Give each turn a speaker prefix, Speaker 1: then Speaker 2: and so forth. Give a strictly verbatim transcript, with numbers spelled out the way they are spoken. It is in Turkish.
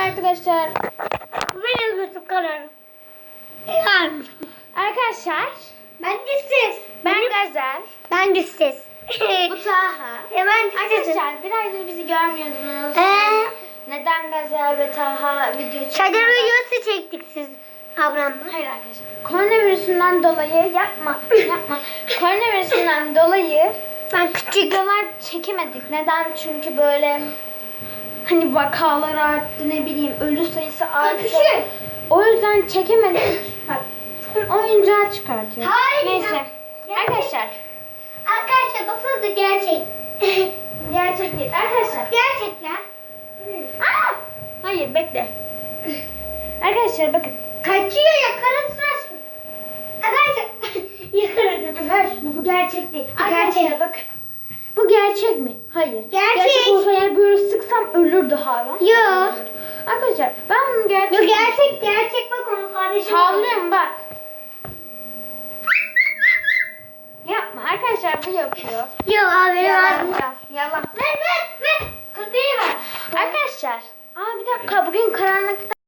Speaker 1: arkadaşlar.
Speaker 2: Bu benim YouTube kanalım. Yani.
Speaker 1: Arkadaşlar
Speaker 2: Ben de siz.
Speaker 1: ben Gazel.
Speaker 2: Ben de siz.
Speaker 1: Bu Taha.
Speaker 2: E ben de siz.
Speaker 1: Arkadaşlar bir aydır bizi görmüyordunuz.
Speaker 2: Eee.
Speaker 1: Neden Gazel ve Taha video
Speaker 2: Çadır
Speaker 1: çekmiyorlar?
Speaker 2: videosu çektik siz ablamla.
Speaker 1: Hayır arkadaşlar. Koronavirüsünden dolayı yapma. Yapma. Koronavirüsünden dolayı
Speaker 2: Ben küçük.
Speaker 1: videolar çekemedik. Neden? Çünkü böyle hani vakalar arttı, ne bileyim ölü sayısı arttı.
Speaker 2: Küçük.
Speaker 1: O yüzden çekemedik. Bak oyuncağı çıkartıyor.
Speaker 2: Hayır.
Speaker 1: Neyse. Arkadaşlar
Speaker 2: Arkadaşlar baksanıza gerçek.
Speaker 1: gerçek değil. Arkadaşlar.
Speaker 2: Gerçek ya.
Speaker 1: Aa! Hayır bekle. Arkadaşlar bakın.
Speaker 2: Kaçıyor yakalasın. Arkadaşlar yakaladım.
Speaker 1: Ver şunu, bu gerçek değil.
Speaker 2: Bu
Speaker 1: Arkadaşlar
Speaker 2: gerçek.
Speaker 1: bakın. Bu gerçek mi? Hayır.
Speaker 2: Gerçek.
Speaker 1: olsa eğer böyle sıksam ölürdü hayvan.
Speaker 2: Yok.
Speaker 1: Arkadaşlar ben bunu gerçek...
Speaker 2: Yok gerçek gerçek bak onu kardeşim.
Speaker 1: Havlıyorum bak. Yapma arkadaşlar, bu yapıyor.
Speaker 2: Yok abi
Speaker 1: Yalan.
Speaker 2: lazım.
Speaker 1: Yalan.
Speaker 2: Ver ver ver. Köpeği ver.
Speaker 1: Arkadaşlar. Aa bir dakika, bugün karanlıkta